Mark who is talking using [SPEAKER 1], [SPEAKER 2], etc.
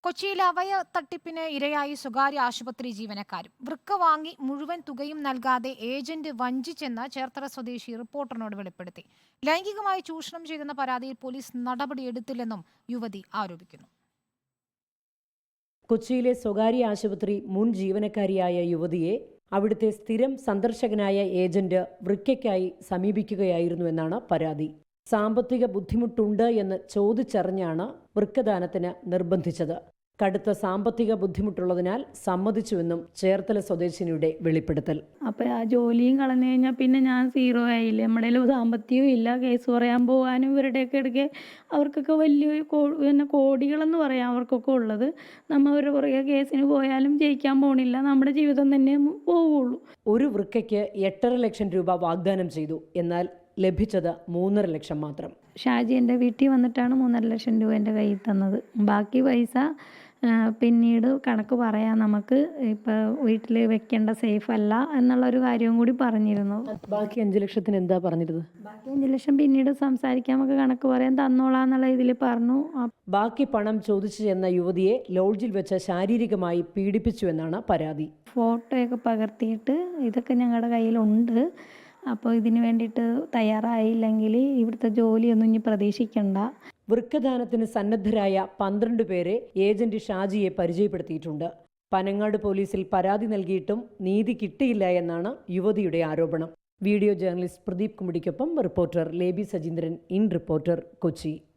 [SPEAKER 1] കൊച്ചിയിൽ അവയ തട്ടിപ്പിന് ഇരയായി സ്വകാര്യ ആശുപത്രി ജീവനക്കാരും. വൃക്ക വാങ്ങി മുഴുവൻ തുകയും നൽകാതെ ഏജന്റ് വഞ്ചിച്ചെന്ന് ചേർത്തല സ്വദേശി റിപ്പോർട്ടറിനോട് വെളിപ്പെടുത്തി. ലൈംഗികമായി ചൂഷണം ചെയ്തെന്ന പരാതിയിൽ പോലീസ് നടപടിയെടുത്തില്ലെന്നും യുവതി ആരോപിക്കുന്നു.
[SPEAKER 2] കൊച്ചിയിലെ സ്വകാര്യ ആശുപത്രി മുൻ ജീവനക്കാരിയായ യുവതിയെ അവിടുത്തെ സ്ഥിരം സന്ദർശകനായ ഏജന്റ് വൃക്കയ്ക്കായി സമീപിക്കുകയായിരുന്നുവെന്നാണ് പരാതി. സാമ്പത്തിക ബുദ്ധിമുട്ടുണ്ട് എന്ന് ചോദിച്ചറിഞ്ഞാണ് വൃക്കദാനത്തിന് നിർബന്ധിച്ചത്. കടുത്ത സാമ്പത്തിക ബുദ്ധിമുട്ടുള്ളതിനാൽ സമ്മതിച്ചുവെന്നും ചേർത്തല സ്വദേശിനിയുടെ വെളിപ്പെടുത്തൽ.
[SPEAKER 3] അപ്പോൾ ആ ജോലിയും കളഞ്ഞു കഴിഞ്ഞാൽ പിന്നെ ഞാൻ സീറോ ആയില്ലേ. നമ്മുടെ സാമ്പത്തികവും ഇല്ല. കേസ് പറയാൻ പോകാനും ഇവരുടെയൊക്കെ ഇടയ്ക്ക് അവർക്കൊക്കെ വലിയ പിന്നെ കോടികളെന്ന് പറയാം അവർക്കൊക്കെ ഉള്ളത്. നമ്മൾ അവരുടെ പുറകെ കേസിന് പോയാലും ജയിക്കാൻ പോണില്ല. നമ്മുടെ ജീവിതം തന്നെ പോവുള്ളൂ.
[SPEAKER 2] ഒരു വൃക്കയ്ക്ക് 8.5 ലക്ഷം രൂപ വാഗ്ദാനം ചെയ്തു. എന്നാൽ ലഭിച്ചത് 3.5 ലക്ഷം മാത്രം.
[SPEAKER 3] ഷാജി എൻ്റെ വീട്ടിൽ വന്നിട്ടാണ് 3.5 ലക്ഷം രൂപ എൻ്റെ കയ്യിൽ തന്നത്. ബാക്കി പൈസ പിന്നീട് കണക്ക് പറയാം, നമുക്ക് ഇപ്പോൾ വീട്ടിൽ വെക്കേണ്ട സേഫ് അല്ല എന്നുള്ളൊരു കാര്യവും കൂടി പറഞ്ഞിരുന്നു.
[SPEAKER 2] ബാക്കി 5 ലക്ഷത്തിന് എന്താ പറഞ്ഞിരുന്നത്?
[SPEAKER 3] ബാക്കി 5 ലക്ഷം പിന്നീട് സംസാരിക്കാൻ, നമുക്ക് കണക്ക് പറയാൻ തന്നോളാം എന്നുള്ള ഇതിൽ പറഞ്ഞു.
[SPEAKER 2] ബാക്കി പണം ചോദിച്ചു ചെന്ന യുവതിയെ ലോഡ്ജിൽ വെച്ച് ശാരീരികമായി പീഡിപ്പിച്ചുവെന്നാണ് പരാതി.
[SPEAKER 3] ഫോട്ടോയൊക്കെ പകർത്തിയിട്ട് ഇതൊക്കെ ഞങ്ങളുടെ കയ്യിലുണ്ട്, അപ്പോൾ ഇതിന് വേണ്ടിയിട്ട് തയ്യാറായില്ലെങ്കിൽ ഇവിടുത്തെ ജോലിയൊന്നും ഇനി പ്രതീക്ഷിക്കണ്ട.
[SPEAKER 2] വൃക്കദാനത്തിന് സന്നദ്ധരായ 12 പേരെ ഏജന്റ് ഷാജിയെ പരിചയപ്പെടുത്തിയിട്ടുണ്ട്. പനങ്ങാട് പോലീസിൽ പരാതി നൽകിയിട്ടും നീതി കിട്ടിയില്ല എന്നാണ് യുവതിയുടെ ആരോപണം. വീഡിയോ ജേർണലിസ്റ്റ് പ്രദീപ് കുമ്പിടിക്കൊപ്പം റിപ്പോർട്ടർ ലേബി സജീന്ദ്രൻ, ഇൻ റിപ്പോർട്ടർ, കൊച്ചി.